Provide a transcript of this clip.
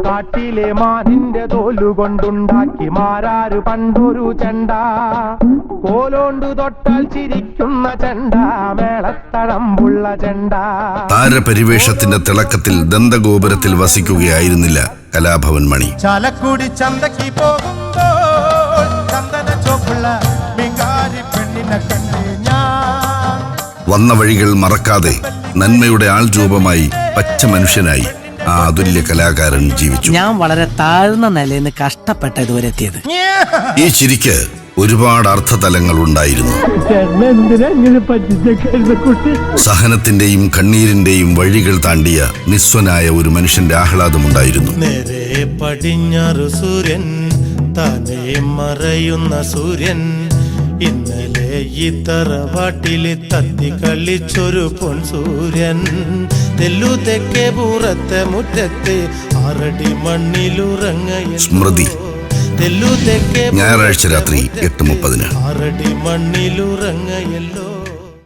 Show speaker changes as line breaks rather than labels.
കാട്ടിലെ മാനിന്റെ തോലുകൊണ്ടുണ്ടാക്കി മാരാര് പണ്ടൊരു ചെണ്ട, കോലോണ്ടു തൊട്ടാൽ ചിരിക്കുന്ന ചെണ്ട, മേളത്തഴമ്പുള്ള ചെണ്ട.
താരപരിവേഷത്തിന്റെ തിളക്കത്തിൽ ദന്തഗോപുരത്തിൽ വസിക്കുകയായിരുന്നില്ല കലാഭവൻ മണി.
ചാലക്കുടി ചന്തയ്ക്ക് പോകുമ്പോൾ ചന്ദന ചോപ്പുള്ള ബംഗാരി പെണ്ണിനെ കണ്ട് ഞാൻ.
വന്ന വഴികൾ മറക്കാതെ നന്മയുടെ ആൾരൂപമായി പച്ച മനുഷ്യനായി ആ അതുല്യ കലാകാരൻ ജീവിച്ചു.
ഞാൻ വളരെ താഴ്ന്ന നിലയിൽ നിന്ന് കഷ്ടപ്പെട്ട ഇതുവരെ എത്തിയത്.
ഈ ചിരിക്ക് ഒരുപാട് അർത്ഥതലങ്ങൾ ഉണ്ടായിരുന്നു. സഹനത്തിന്റെയും കണ്ണീരിന്റെയും വഴികൾ താണ്ടിയ നിസ്വനായ ഒരു മനുഷ്യന്റെ ആഹ്ലാദമുണ്ടായിരുന്നു.
നേരെ പടിഞ്ഞാറ് സൂര്യൻ, താനേ മറയുന്ന സൂര്യൻ, ഇന്നലെ ഈ തറവാട്ടില് തത്തി കളിച്ചൊരു പൊൻ സൂര്യൻ. തെല്ലു തെക്കേ പൂറത്തെ മുറ്റത്ത് 6 അടി മണ്ണിലുറങ്ങ
സ്മൃതി. ഞായറാഴ്ച രാത്രി 8:30.
6 അടി മണ്ണിലുറങ്ങയല്ലോ.